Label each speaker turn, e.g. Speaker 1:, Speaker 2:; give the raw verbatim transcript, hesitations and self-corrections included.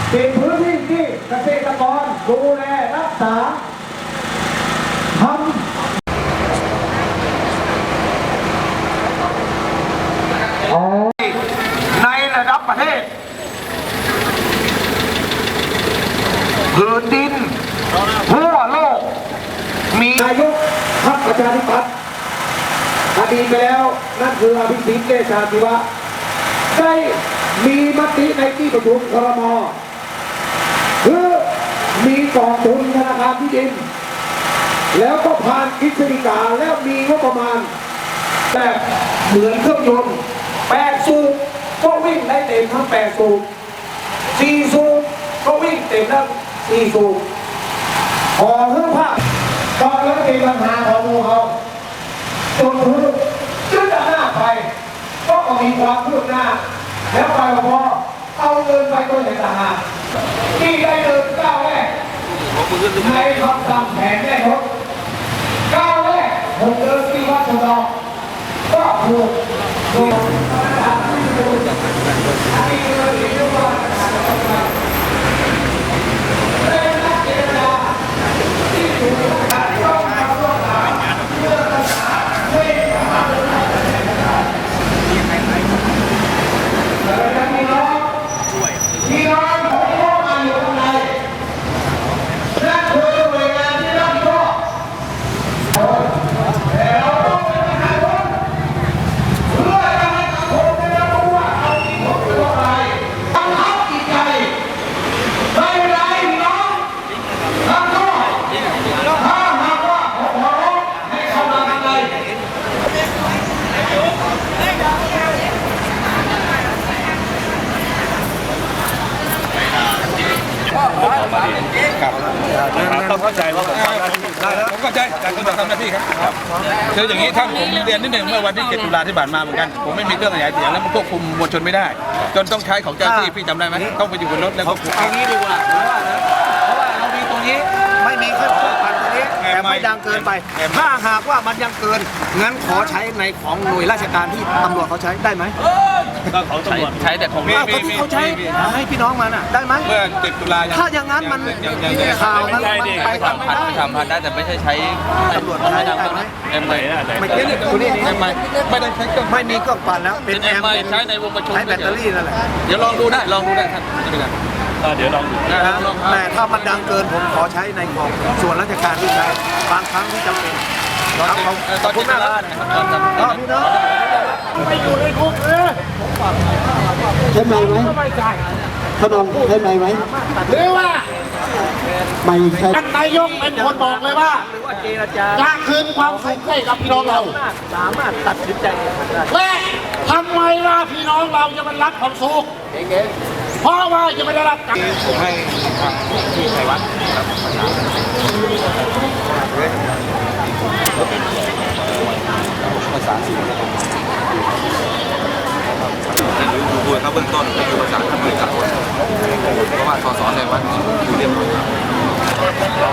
Speaker 1: เป็นพื้นที่ที่เกษตรกรดูแลรักษาทำในระดับประเทศพื้นดินทั่วโลกมีนายกพรรคประชาธิปัตย์อดีตไปแล้วนั่นคืออภิสิทธิ์เวชชาชีวะได้มีมติในที่ประชุมครม.คือมีกองทุนธนาคารที่ดินแล้วก็ผ่านกฤษฎีกาแล้วมีงบประมาณแบบเหมือนเครื่องยนต์แปดสูบก็วิ่งได้เต็มทั้งแปดสูบสี่สูบก็วิ่งเต็มทั้งสี่สูบพอเพื่อภาพตอนแล้วมีปัญหาของมูเขาจนพื้นจึงจะหน้าไปก็มีความคืบหน้าแล้วไปพอเอาเงินไปตัวไหนต่างหากที่ได้เดินก้าวแรกในคำสั่งแผนแม่ทศก้าวแรกผมเดินที่วัดสุดอกก็ถูกโดยที่เดินที่วัดเป็นนักเจรจาที่ถูกตัดต้องมาร่วมงานเพื่อรักษาเวทมนต์แล้วมีน้องมีน้องผมก็มาอยู่ข้างในนั่นคือหน่วยงานที่รับผิดชอบแต่เราต้องเป็นทหารเพื่อจะให้สังคมได้รับรู้ว่าเอาที่ผมเป็นอะไรบังคับจิตใจไม่เป็นไรพี่น้องทำก็ถ้าหากว่าผมขอร้องให้เข้ามาข้างใน
Speaker 2: ต้องเข้าใจว่าผมทำหน้าที่ได้แล้วผมเข้าใจการคุณทำหน้าที่ครับคืออย่างนี้ท่านผมเรียนนิดหนึ่งเมื่อวันที่เจ็ดตุลาที่ผ่านมาเหมือนกันผมไม่มีเครื่องขยายเสียงแล้วมันควบคุมมวลชนไม่ได้จนต้องใช้ของเจ้าหน้าที่พี่จำได้ไหมต้องไปอยู่บนรถแล้วควบคุม
Speaker 3: เอางี้ดีกว่าเพราะว่านะเพราะว่าเรามีตรงนี้ไม่มีเครื่องปั่นตัวนี้แต่ไม่ดังเกินไปถ้าหากว่ามันยังเกินงั้นขอใช้ในของหน่วยราชการที่ตำรวจเขาใช้ได้ไหม
Speaker 2: ก็ของตำรวจใช้แต่ของ
Speaker 3: อ้าวก็ที่เขาใช้ให้พี่น้องมันอ่ะได้ไหม
Speaker 2: เมื่อเจ็ดตุลา
Speaker 3: ถ้าอย่างนั้นมันข่าวมันไปทำไม่ได้
Speaker 4: ทำพันได้แต่ไม่ใช่ใช้
Speaker 3: ตำรวจใช้ได้ไหม
Speaker 4: เอ็มไอ
Speaker 3: ไม่เกี่ยวกับนี่
Speaker 2: เอ็มไอไม่ได้ใช้เครื่อง
Speaker 3: ไม่มีเครื่องปั่นแล้วเป็นแอม
Speaker 4: ใช้ในวงประชุม
Speaker 3: ใช้แบตเตอรี่นั่นแหละ
Speaker 4: เดี๋ยวลองดูได้ลองดูได้ท่านไม่เป็นไร
Speaker 2: เดี๋ยวลองดู
Speaker 3: นะแต่ถ้ามันดังเกินผมขอใช้ในของส่วนราชการที่ใช้บางครั้งที่จำเป็นครับขอบคุณมากครับพี่น้องไม่อยู่ในคุกเออ
Speaker 1: ใช่ไหมไหมขนมใช่ไหมไหม
Speaker 5: หรือว่า
Speaker 1: ไม่ใช่
Speaker 5: ท่านนายกเป็นคนบอกเลยว่า
Speaker 3: หรือว่าเจรจา
Speaker 5: จะคืนความสุขให้กับพี่น้องเรา
Speaker 3: สามารถตัดสินใจเองได้
Speaker 5: และทำไมว่าพี่น้องเราจะมันรับความสุขเพราะว่าจะไม่ได้รับการ
Speaker 2: ผมให้ทางที่ไทยวัดภาษาสี่คุยเขาเบื้องต้นก็คือภาษาทำเลยครับเพราะว่าสสในวัดอยู่เรียบร้อย